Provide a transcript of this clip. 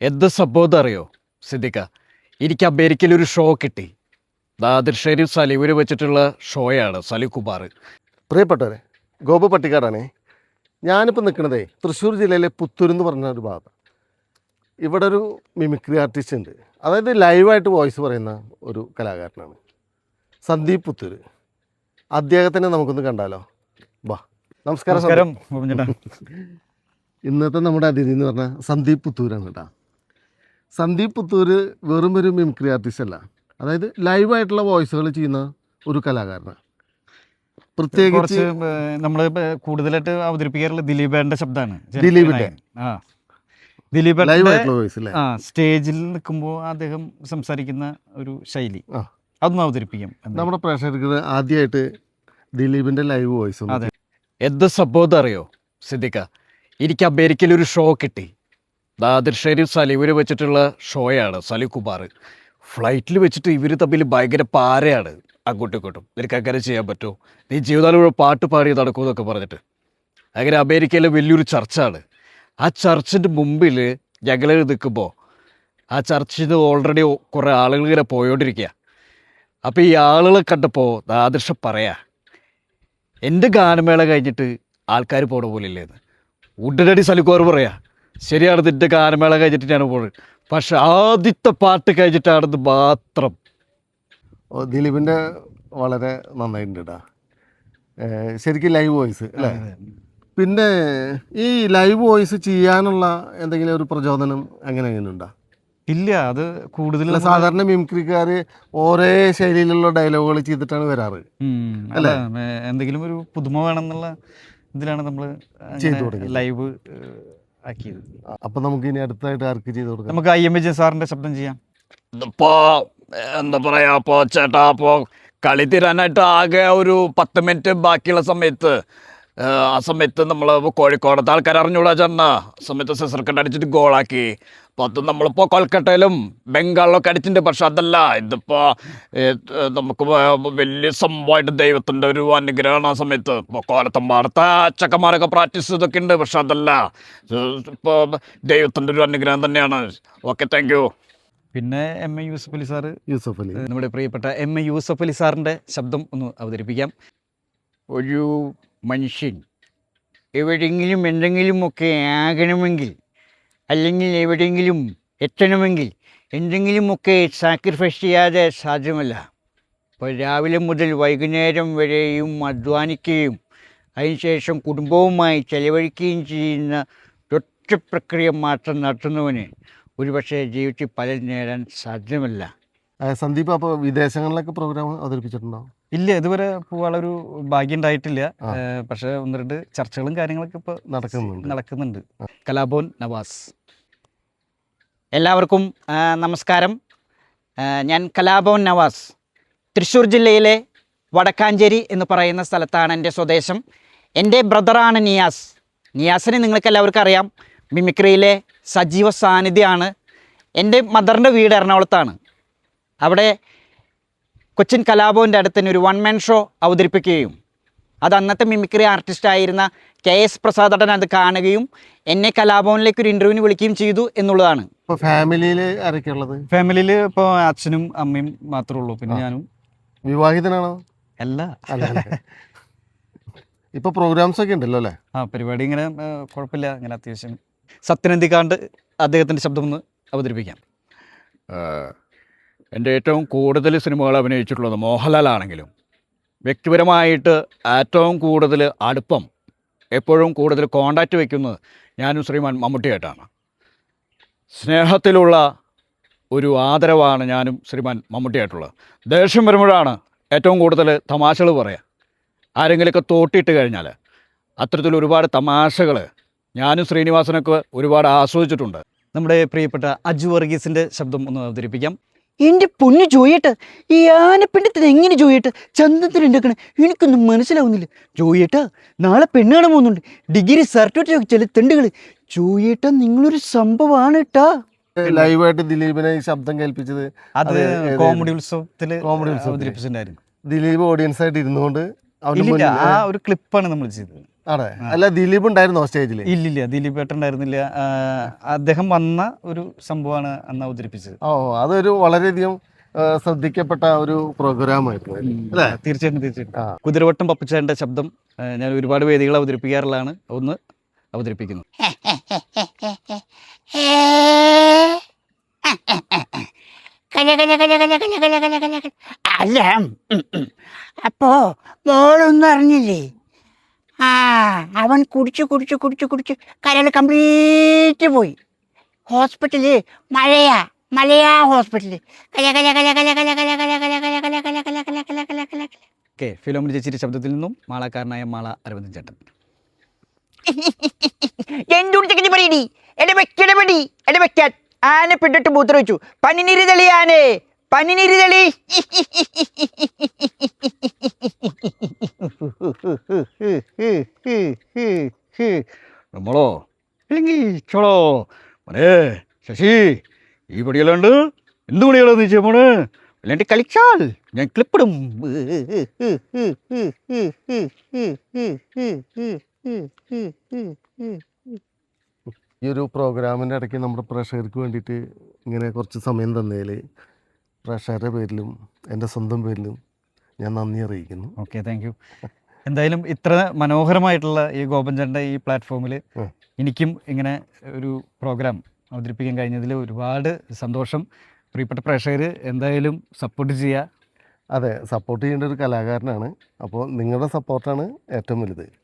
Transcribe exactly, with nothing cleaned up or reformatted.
എന്ത് സംഭവം അറിയോ സിദ്ദിഖ? എനിക്ക് അമേരിക്കയിലൊരു ഷോ കിട്ടി. നാദിർ ഷെരീഫ് സലീമിന് വെച്ചിട്ടുള്ള ഷോയാണ് സലീം കുമാർ. പ്രിയപ്പെട്ടവരെ, ഗോപു പട്ടിക്കാടാണേ. ഞാനിപ്പോൾ നിൽക്കുന്നതേ തൃശ്ശൂർ ജില്ലയിലെ പുത്തൂർ എന്ന് പറഞ്ഞ ഒരു ഭാഗം. ഇവിടെ ഒരു മിമിക്രി ആർട്ടിസ്റ്റ് ഉണ്ട്, അതായത് ലൈവായിട്ട് വോയിസ് പറയുന്ന ഒരു കലാകാരനാണ് സന്ദീപ് പുത്തൂർ. അദ്ദേഹത്തിനെ നമുക്കൊന്ന് കണ്ടാലോ? വാ. നമസ്കാരം. നമസ്കാരം. ഇന്നത്തെ നമ്മുടെ അതിഥി എന്ന് പറഞ്ഞാൽ സന്ദീപ് പുത്തൂരാണ് കേട്ടോ. സന്ദീപ് പുത്തൂർ വെറും ഒരു മിമിക്രി ആർട്ടിസ്റ്റ് അല്ല, അതായത് ലൈവായിട്ടുള്ള വോയിസുകൾ ചെയ്യുന്ന ഒരു കലാകാരനാണ്. പ്രത്യേകിച്ച് നമ്മൾ കൂടുതലായിട്ട് അവതരിപ്പിക്കാറുള്ള ദിലീപേന്റെ ശബ്ദമാണ്. ദിലീപിന്റെ ആ ദിലീപ് ലൈവായിട്ടുള്ള വോയിസ് അല്ലേ? ആ സ്റ്റേജിൽ നിൽക്കുമ്പോൾ അദ്ദേഹം സംസാരിക്കുന്ന ഒരു ശൈലി അതൊന്നും അവതരിപ്പിക്കാം. നമ്മുടെ പ്രേക്ഷകർക്ക് ആദ്യമായിട്ട് ദിലീപിന്റെ ലൈവ് വോയിസ്. അതെ. എന്ത് സംഭവം അറിയോ സിദ്ദിഖ? എനിക്ക് അമേരിക്കയിലൊരു ഷോ കിട്ടി. നാദിർ ഷെരീഫ് സലീമിന് വെച്ചിട്ടുള്ള ഷോയാണ് സലീം കുമാർ. ഫ്ലൈറ്റിൽ വെച്ചിട്ട് ഇവർ തമ്മിൽ ഭയങ്കര പാരയാണ് അങ്ങോട്ടും ഇങ്ങോട്ടും. നിനക്ക് അങ്ങനെ ചെയ്യാൻ പറ്റുമോ? നീ ജീവിതകാലം പാട്ട് പാടി നടക്കുമെന്നൊക്കെ പറഞ്ഞിട്ട് അങ്ങനെ അമേരിക്കയിലെ വലിയൊരു ചർച്ചാണ്. ആ ചർച്ചിൻ്റെ മുമ്പിൽ ഞങ്ങൾ നിൽക്കുമ്പോൾ ആ ചർച്ചിൽ നിന്ന് ഓൾറെഡി കുറേ ആളുകൾ ഇങ്ങനെ പോയോണ്ടിരിക്കുക. അപ്പോൾ ഈ ആളുകളെ കണ്ടപ്പോൾ നാദിർഷ പറയാ, എൻ്റെ ഗാനമേള കഴിഞ്ഞിട്ട് ആൾക്കാർ പോണ പോലെ ഇല്ലേന്ന്. ഉടനടി സലിക്കോർ പറയാ, ശരിയാണ്, നിൻ്റെ ഗാനമേള കഴിഞ്ഞിട്ട് ഞാൻ പോകുന്നത്, പക്ഷെ ആദ്യത്തെ പാട്ട് കഴിഞ്ഞിട്ടാണെന്ന് മാത്രം. ദിലീപിൻ്റെ വളരെ നന്നായിട്ടുണ്ട് കേട്ടോ, ശരിക്കും ലൈവ് വോയിസ് അല്ലേ? പിന്നെ ഈ ലൈവ് വോയിസ് ചെയ്യാനുള്ള എന്തെങ്കിലും ഒരു പ്രചോദനം അങ്ങനെ എങ്ങനെ ഉണ്ടോ? ഇല്ല, അത് കൂടുതൽ സാധാരണ മിമിക്രിക്കാർ ഒരേ ശൈലിയിലുള്ള ഡയലോഗുകൾ ചെയ്തിട്ടാണ് വരാറ് അല്ല, എന്തെങ്കിലും ഒരു പുതുമ വേണമെന്നുള്ള ഇതിലാണ് നമ്മൾ ലൈവ് ആക്കിയത്. അപ്പൊ നമുക്ക് ഇനി അടുത്തായിട്ട് ആർക്ക് ചെയ്ത് കൊടുക്കാം? നമുക്ക് ഐ എം വിജയൻ സാറിന്റെ ശബ്ദം ചെയ്യാം. ഇതിപ്പോ എന്താ പറയാ, അപ്പോ ചേട്ടാ, അപ്പോ കളി തീരാനായിട്ട് ആകെ ഒരു പത്ത് മിനിറ്റ് ബാക്കിയുള്ള സമയത്ത്, ആ സമയത്ത് നമ്മൾ കോഴിക്കോടത്തെ ആൾക്കാർ അറിഞ്ഞൂടാ ചേട്ടനാ, ആ സമയത്ത് സിസർക്കട്ട് അടിച്ചിട്ട് ഗോളാക്കി. പത്ത് നമ്മളിപ്പോൾ കൊൽക്കട്ടയിലും ബംഗാളിലൊക്കെ അടിച്ചിട്ടുണ്ട്. പക്ഷെ അതല്ല, ഇതിപ്പോൾ നമുക്ക് വലിയ സംഭവമായിട്ട് ദൈവത്തിൻ്റെ ഒരു അനുഗ്രഹമാണ്. ആ സമയത്ത് ഇപ്പോൾ കോലത്തമ്പാടത്തെ ചക്കന്മാരൊക്കെ പ്രാക്ടീസ് ചെയ്തൊക്കെ ഉണ്ട്. പക്ഷെ അതല്ല, ഇപ്പോൾ ദൈവത്തിൻ്റെ ഒരു അനുഗ്രഹം തന്നെയാണ്. Okay, thank you. പിന്നെ M A Yusuff Ali sir, Yusuff Ali, നമ്മുടെ പ്രിയപ്പെട്ട എം എ യൂസഫ് അലി സാറിൻ്റെ ശബ്ദം ഒന്ന് അവതരിപ്പിക്കാം. ഒരു മനുഷ്യൻ എവിടെയെങ്കിലും എന്തെങ്കിലുമൊക്കെ ആകണമെങ്കിൽ, അല്ലെങ്കിൽ എവിടെയെങ്കിലും എത്തണമെങ്കിൽ എന്തെങ്കിലുമൊക്കെ സാക്രിഫൈസ് ചെയ്യാതെ സാധ്യമല്ല. ഇപ്പോൾ രാവിലെ മുതൽ വൈകുന്നേരം വരെയും അധ്വാനിക്കുകയും അതിനുശേഷം കുടുംബവുമായി ചെലവഴിക്കുകയും ചെയ്യുന്ന ഒറ്റ പ്രക്രിയ മാത്രം നടത്തുന്നവന് ഒരുപക്ഷെ ജീവിതത്തിൽ പലരും നേടാൻ സാധ്യമല്ല. സന്ദീപ്, അപ്പോൾ വിദേശങ്ങളിലൊക്കെ പ്രോഗ്രാം അവതരിപ്പിച്ചിട്ടുണ്ടോ? ഇല്ല, ഇതുവരെ പോകാനുള്ളൊരു ഭാഗ്യം ഉണ്ടായിട്ടില്ല. പക്ഷെ ഒന്ന് രണ്ട് ചർച്ചകളും കാര്യങ്ങളൊക്കെ ഇപ്പോൾ നടക്കുന്നുണ്ട് നടക്കുന്നുണ്ട് കലാഭവൻ നവാസ്. എല്ലാവർക്കും നമസ്കാരം. ഞാൻ കലാഭവൻ നവാസ്. തൃശ്ശൂർ ജില്ലയിലെ വടക്കാഞ്ചേരി എന്ന് പറയുന്ന സ്ഥലത്താണ് എൻ്റെ സ്വദേശം. എൻ്റെ ബ്രദറാണ് നിയാസ്. നിയാസിനെ നിങ്ങൾക്ക് എല്ലാവർക്കും അറിയാം, മിമിക്രിയിലെ സജീവ സാന്നിധ്യമാണ്. എൻ്റെ മദറിൻ്റെ വീട് എറണാകുളത്താണ്. അവിടെ കൊച്ചിൻ കലാഭവൻ്റെ അടുത്ത് തന്നെ ഒരു വൺ മാൻ ഷോ അവതരിപ്പിക്കുകയും അത് അന്നത്തെ മിമിക്രി ആർട്ടിസ്റ്റായിരുന്ന കെ എസ് പ്രസാദടൻ അത് കാണുകയും എന്നെ കലാഭവനിലേക്ക് ഒരു ഇൻ്റർവ്യൂവിന് വിളിക്കുകയും ചെയ്തു എന്നുള്ളതാണ്. ഇപ്പോൾ ഫാമിലിയിൽ ആരൊക്കെയുള്ളത്? ഫാമിലിയിൽ ഇപ്പോൾ അച്ഛനും അമ്മയും മാത്രമേ ഉള്ളൂ. പിന്നെ ഞാനും. വിവാഹിതനാണോ? അല്ല. ഇപ്പോൾ പ്രോഗ്രാംസ് ഒക്കെ ഉണ്ടല്ലോ അല്ലേ? ആ, പരിപാടി ഇങ്ങനെ കുഴപ്പമില്ല, ഇങ്ങനെ അത്യാവശ്യം. സത്യനന്ദിക്കാണ്ട് അദ്ദേഹത്തിൻ്റെ ശബ്ദം ഒന്ന് അവതരിപ്പിക്കാം. എൻ്റെ ഏറ്റവും കൂടുതൽ സിനിമകൾ അഭിനയിച്ചിട്ടുള്ളത് മോഹൻലാലാണെങ്കിലും വ്യക്തിപരമായിട്ട് ഏറ്റവും കൂടുതൽ അടുപ്പം, എപ്പോഴും കൂടുതൽ കോണ്ടാക്റ്റ് വയ്ക്കുന്നത് ഞാനും ശ്രീമാൻ മമ്മൂട്ടിയായിട്ടാണ്. സ്നേഹത്തിലുള്ള ഒരു ആദരവാണ് ഞാനും ശ്രീമാൻ മമ്മൂട്ടിയായിട്ടുള്ളത്. ദേഷ്യം വരുമ്പോഴാണ് ഏറ്റവും കൂടുതൽ തമാശകൾ പറയുക. ആരെങ്കിലുമൊക്കെ തോട്ടിയിട്ട് കഴിഞ്ഞാൽ അത്തരത്തിൽ ഒരുപാട് തമാശകൾ ഞാനും ശ്രീനിവാസനൊക്കെ ഒരുപാട് ആസ്വദിച്ചിട്ടുണ്ട്. നമ്മുടെ പ്രിയപ്പെട്ട അജു വർഗീസിൻ്റെ ശബ്ദം ഒന്ന് അവതരിപ്പിക്കാം. എൻ്റെ പൊന്നു ജോയേട്ട, ഈ ആനപ്പിണ്ടത്തിന് എങ്ങനെ ജോയേട്ട ചന്തത്തിന് ഉണ്ടാക്കണേ എനിക്കൊന്നും മനസ്സിലാവുന്നില്ല. ജോയേട്ട, നാളെ പെണ്ണ് കാണാൻ പോകുന്നുണ്ട്. ഡിഗ്രി സർട്ടിഫിക്കറ്റ് ചില തെണ്ടുകൾ. ജോയേട്ട, നിങ്ങളൊരു സംഭവമാണ് കേട്ടാ. ലൈവായിട്ട് ദിലീപിനെ ശബ്ദം കേൾപ്പിച്ചത് അത് കോമഡി ഉത്സവത്തിൽ അവതരിപ്പിച്ചിട്ടുണ്ടായിരുന്നു. ദിലീപ് ഓഡിയൻസ് ആയിട്ട് ഇരുന്നുകൊണ്ട് ആ ഒരു ക്ലിപ്പാണ് നമ്മൾ ചെയ്തത്. അതെ, അല്ല ദിലീപ് ഉണ്ടായിരുന്നോ സ്റ്റേജിൽ? ഇല്ലില്ല, ദിലീപ് ഏട്ടൻ ഉണ്ടായിരുന്നില്ല. ആ, അദ്ദേഹം വന്ന ഒരു സംഭവമാണ് അന്ന് അവതരിപ്പിച്ചത്. ഓ, അതൊരു വളരെയധികം ആ, ശ്രദ്ധിക്കപ്പെട്ട ഒരു പ്രോഗ്രാമായിരുന്നു അല്ലേ? തീർച്ചയായിട്ടും തീർച്ചയായിട്ടും. ആ. കുതിരവട്ടം പപ്പുച്ചാൻ്റെ ശബ്ദം ആ, ഞാൻ ഒരുപാട് വേദികൾ അവതരിപ്പിക്കാറുള്ളതാണ്. ഒന്ന് അവതരിപ്പിക്കുന്നു. കല കല കല കല കല കല കല കല കല. അല്ല ഉം, ഉം. അപ്പോ മോളൊന്നും അറിഞ്ഞില്ലേ? ആ അവൻ കുടിച്ചു കുടിച്ചു കുടിച്ചു കുടിച്ച് കരൾ കംപ്ലീറ്റ് പോയി. ഹോസ്പിറ്റല് മഴയാ മലയാ ഹോസ്പിറ്റല്. കല കല കല കല കല കല കല കല കല കല കല കല കല കല കല കല കല. ഓക്കെ, ഫിലോമിന ചേച്ചിയുടെ ശബ്ദത്തിൽ നിന്നും മാളക്കാരനായ മാള അരവിന്ദൻ ചേട്ടൻ. എന്തുടിച്ചെങ്കിൽ പറയടി എടവെക്കടപടി എടവെക്കാൻ ആനെ പിടിട്ട് മൂത്ര വെച്ചു. പനിനീര് തെളി ആനെ പനിനീര് തെളി. നമ്മളോ ഇല്ലെങ്കിൽ ചോളോ മോനെ ശശി, ഈ പടിയല്ലാണ്ട് എന്ത് പണികളോ നീ ചെയ്യുമ്പോണ്? അല്ലാണ്ട് കളിച്ചാൽ ഞാൻ ക്ലിപ്പിടും. ഈ ഒരു പ്രോഗ്രാമിൻ്റെ ഇടയ്ക്ക് നമ്മുടെ പ്രേക്ഷകർക്ക് വേണ്ടിയിട്ട് ഇങ്ങനെ കുറച്ച് സമയം തന്നതിൽ പ്രേക്ഷകരുടെ പേരിലും എൻ്റെ സ്വന്തം പേരിലും ഞാൻ നന്ദി അറിയിക്കുന്നു. Okay, thank you. എന്തായാലും ഇത്ര മനോഹരമായിട്ടുള്ള ഈ ഗോപൻചാൻ്റെ ഈ പ്ലാറ്റ്ഫോമിൽ ഉം. എനിക്കും ഇങ്ങനെ ഒരു പ്രോഗ്രാം അവതരിപ്പിക്കാൻ കഴിഞ്ഞതിൽ ഒരുപാട് സന്തോഷം. പ്രിയപ്പെട്ട പ്രേക്ഷകർ എന്തായാലും സപ്പോർട്ട് ചെയ്യുക. അതെ, സപ്പോർട്ട് ചെയ്യേണ്ട ഒരു കലാകാരനാണ്. അപ്പോൾ നിങ്ങളുടെ സപ്പോർട്ടാണ് ഏറ്റവും വലുത്.